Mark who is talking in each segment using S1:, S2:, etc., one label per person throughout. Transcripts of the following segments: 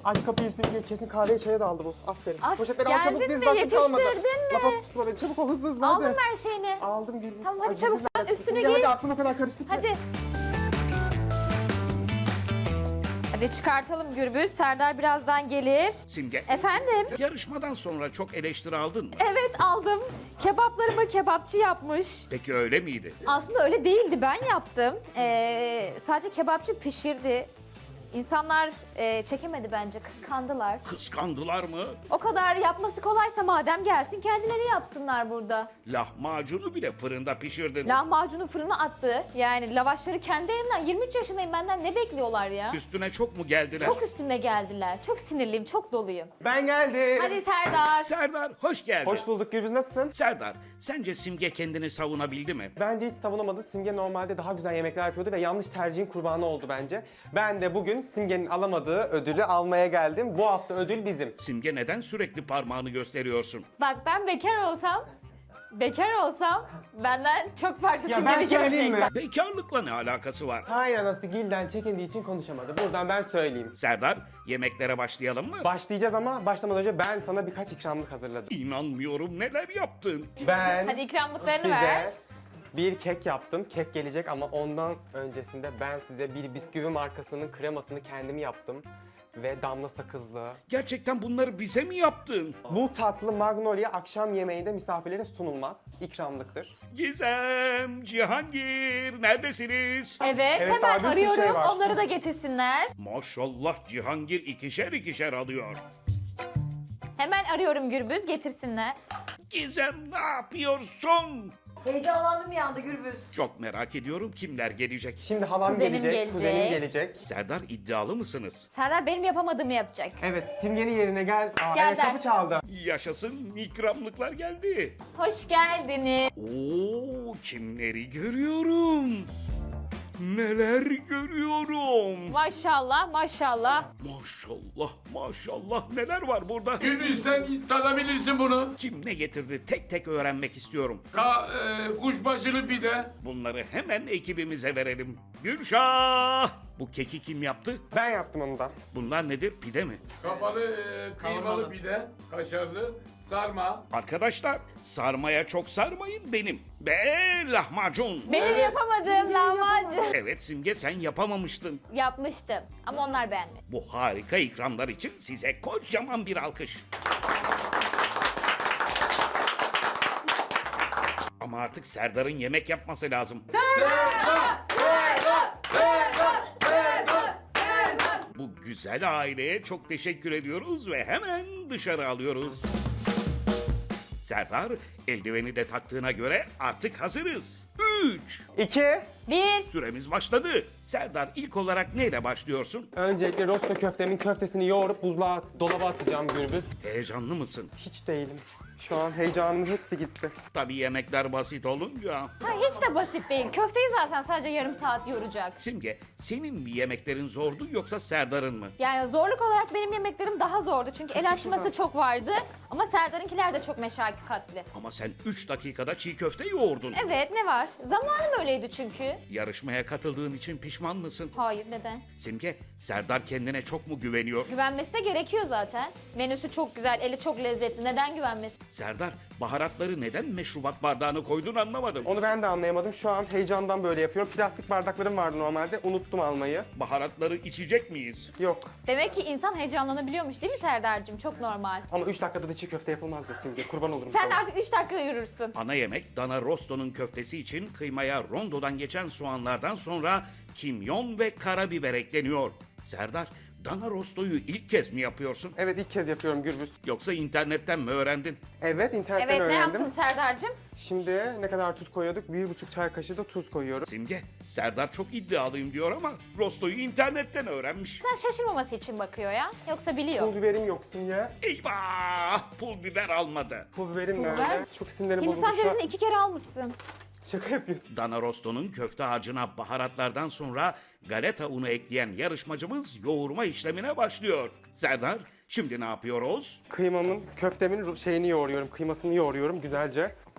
S1: Aç kapıyı Simge, kesin kahveye çaya da aldı bu. Aferin.
S2: Af,
S1: Poşetleri al çabuk,
S2: geldin
S1: diz
S2: mi?
S1: dakika kalmadı.
S2: Yetiştirdin mi?
S1: Lafa tutma beni, çabuk ol, hızlı hızlı hadi.
S2: Aldın mı her şeyini?
S1: Aldım Gürbüz.
S2: Tamam, hadi
S1: Ay,
S2: çabuk
S1: Gürbüz
S2: sen
S1: neredesin?
S2: üstüne
S1: Simge,
S2: giy.
S1: hadi aklım o kadar karıştı ki.
S2: Hadi. Hadi çıkartalım Gürbüz. Serdar birazdan gelir.
S3: Simge,
S2: Efendim?
S3: yarışmadan sonra çok eleştiri aldın mı?
S2: Evet aldım. Kebaplarımı kebapçı yapmış.
S3: Peki öyle miydi?
S2: Aslında öyle değildi, ben yaptım. Sadece kebapçı pişirdi. İnsanlar çekemedi bence, kıskandılar.
S3: Kıskandılar mı?
S2: O kadar yapması kolaysa madem gelsin kendileri yapsınlar burada.
S3: Lahmacunu bile fırında pişirdin.
S2: Lahmacunu fırına attı. Yani lavaşları kendi elimden. 23 yaşındayım, benden ne bekliyorlar ya?
S3: Üstüne çok mu geldiler?
S2: Çok üstüme geldiler. Çok sinirliyim, çok doluyum.
S1: Ben geldim.
S2: Hadi Serdar.
S3: Serdar hoş geldin.
S1: Hoş bulduk Gürbüz, nasılsın?
S3: Serdar, sence Simge kendini savunabildi mi?
S1: Bence hiç savunamadı. Simge normalde daha güzel yemekler yapıyordu ve yanlış tercihin kurbanı oldu bence. Ben de bugün Simge'nin alamadığı ödülü almaya geldim. Bu hafta ödül bizim.
S3: Simge neden sürekli parmağını gösteriyorsun?
S2: Bak ben bekar olsam benden çok farklı
S1: Ya ben
S2: bir
S1: söyleyeyim mi?
S2: gelecek.
S3: Bekarlıkla ne alakası var?
S1: Hay anası, Gil'den çekindiği için konuşamadı. Buradan ben söyleyeyim.
S3: Serdar, yemeklere başlayalım mı?
S1: Başlayacağız ama başlamadan önce ben sana birkaç ikramlık hazırladım.
S3: İnanmıyorum, neler yaptın?
S1: Ben
S2: Hadi ikramlıklarını
S1: size
S2: ver.
S1: bir kek yaptım. Kek gelecek ama ondan öncesinde ben size bir bisküvi markasının kremasını kendim yaptım. Ve damla sakızlı.
S3: Gerçekten bunları bize mi yaptın?
S1: Bu tatlı Magnolia akşam yemeğinde misafirlere sunulmaz. İkramlıktır.
S3: Gizem, Cihangir, neredesiniz?
S2: Evet,
S1: Evet,
S2: hemen
S1: daha bir sürü
S2: arıyorum.
S1: şey var.
S2: Onları da getirsinler.
S3: Maşallah Cihangir ikişer ikişer alıyor.
S2: Hemen arıyorum Gürbüz, getirsinler.
S3: Gizem ne yapıyorsun?
S4: Heyecanlandım bir anda Gürbüz.
S3: Çok merak ediyorum kimler gelecek.
S1: Şimdi halam
S2: Kuzenim
S1: gelecek,
S2: gelecek.
S1: kuzenim gelecek.
S3: Serdar iddialı mısınız?
S2: Serdar benim yapamadığımı yapacak.
S1: Evet, Simge'nin yerine gel. Aa,
S2: Gel
S1: evet,
S2: der.
S1: kapı çaldı.
S3: Yaşasın ikramlıklar geldi.
S2: Hoş geldiniz.
S3: Oo, kimleri görüyorum? Neler görüyorum?
S2: Maşallah, maşallah.
S3: Maşallah maşallah neler var burada?
S5: Gürbüz sen tadabilirsin bunu.
S3: Kim ne getirdi tek tek öğrenmek istiyorum.
S5: Kuşbaşılı pide.
S3: Bunları hemen ekibimize verelim. Gülşah! Bu keki kim yaptı?
S1: Ben yaptım onu da.
S3: Bunlar nedir? Pide mi?
S5: Kapalı kıymalı pide. Kaşarlı. Sarma.
S3: Arkadaşlar sarmaya çok sarmayın benim. Be lahmacun.
S2: Benim yapamadığım lahmacun.
S3: Evet Simge sen yapamamıştın.
S2: Yapmıştım ama onlar beğenmedi.
S3: Bu harika ikramlar için size kocaman bir alkış. Ama artık Serdar'ın yemek yapması lazım. Bu güzel aileye çok teşekkür ediyoruz ve hemen dışarı alıyoruz. Serdar eldiveni de taktığına göre artık hazırız. 3.
S1: 2.
S2: Bir,
S3: Süremiz başladı. Serdar ilk olarak neyle başlıyorsun?
S1: Öncelikle rosto köftemin köftesini yoğurup buzluğa, dolaba atacağım Gürbüz.
S3: Heyecanlı mısın?
S1: Hiç değilim. Şu an heyecanımın hepsi gitti.
S3: Tabii yemekler basit olunca.
S2: ha, hiç de basit değil. Köfteyi zaten sadece yarım saat yoracak.
S3: Simge, senin mi yemeklerin zordu yoksa Serdar'ın mı?
S2: Yani zorluk olarak benim yemeklerim daha zordu. Çünkü el açması çok vardı. Ama Serdar'ınkiler de çok meşakkatli.
S3: Ama sen 3 dakikada çiğ köfte yoğurdun.
S2: Evet, ne var? Zamanım öyleydi çünkü.
S3: Yarışmaya katıldığın için pişman mısın?
S2: Hayır, neden?
S3: Simge, Serdar kendine çok mu güveniyor?
S2: Güvenmesi de gerekiyor zaten. Menüsü çok güzel, eli çok lezzetli. Neden güvenmesin?
S3: Serdar, baharatları neden meşrubat bardağına koydun anlamadım.
S1: Onu ben de anlayamadım. Şu an heyecandan böyle yapıyorum. Plastik bardaklarım vardı normalde. Unuttum almayı.
S3: Baharatları içecek miyiz?
S1: Yok.
S2: Demek ki insan heyecanlanabiliyormuş değil mi Serdar'cığım? Çok normal.
S1: Ama 3 dakikada da çiğ köfte yapılmaz da Simge. Kurban olurum
S2: Sen de
S1: sana.
S2: artık 3 dakika yürürsün.
S3: Ana yemek dana rosto'nun köftesi için kıymaya rondodan geçen soğanlardan sonra kimyon ve karabiber ekleniyor. Serdar, dana rostoyu ilk kez mi yapıyorsun?
S1: Evet, ilk kez yapıyorum Gürbüz.
S3: Yoksa internetten mi öğrendin?
S1: Evet, internetten
S2: Evet, ne
S1: öğrendim.
S2: yaptın Serdar'cığım?
S1: Şimdi ne kadar tuz koyuyorduk? 1,5 çay kaşığı da tuz koyuyorum.
S3: Simge, Serdar çok iddialıyım diyor ama rostoyu internetten öğrenmiş.
S2: Sen şaşırmaması için bakıyor ya. Yoksa biliyor.
S1: Pul biberim yok Simge.
S3: Eyvah! Pul biber almadı.
S1: Pul biberim
S2: Pul
S1: nerede?
S2: biber?
S1: Çok sinirlerim bozuldu
S2: Hindistan
S1: şu an.
S2: cevizini 2 kere almışsın.
S1: Şaka yapıyorsun.
S3: Dana rosto'nun köfte harcına baharatlardan sonra galeta unu ekleyen yarışmacımız yoğurma işlemine başlıyor. Serdar, şimdi ne yapıyoruz?
S1: Kıymamın, köftemin şeyini yoğuruyorum. Kıymasını yoğuruyorum güzelce.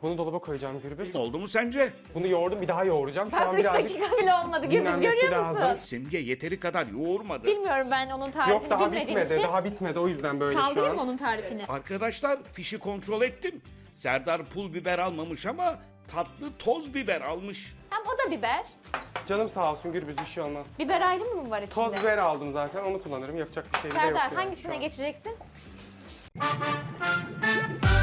S1: Bunu dolaba koyacağım Gürbüz.
S3: Oldu mu sence?
S1: Bunu yoğurdum, bir daha yoğuracağım. Şu
S2: Bak
S1: an
S2: 3
S1: birazcık
S2: dakika bile olmadı. Gürbüz
S1: dinlenmesi
S2: görüyor musun?
S1: lazım.
S3: Simge yeteri kadar yoğurmadı.
S2: Bilmiyorum ben onun tarifini
S1: Yok daha
S2: bilmediğim
S1: bitmedi,
S2: için.
S1: daha bitmedi o yüzden böyle şu
S2: Kaldırayım mı
S1: an.
S2: onun tarifini?
S3: Arkadaşlar fişi kontrol ettim. Serdar pul biber almamış ama tatlı toz biber almış.
S2: Hem o da biber.
S1: Canım sağ olsun Gürbüz, bir şey olmaz.
S2: Biber ayrı mı var içinde?
S1: Toz biber aldım zaten, onu kullanırım. Yapacak bir şey de yok
S2: Serdar
S1: yani
S2: hangisine
S1: şu an.
S2: geçeceksin?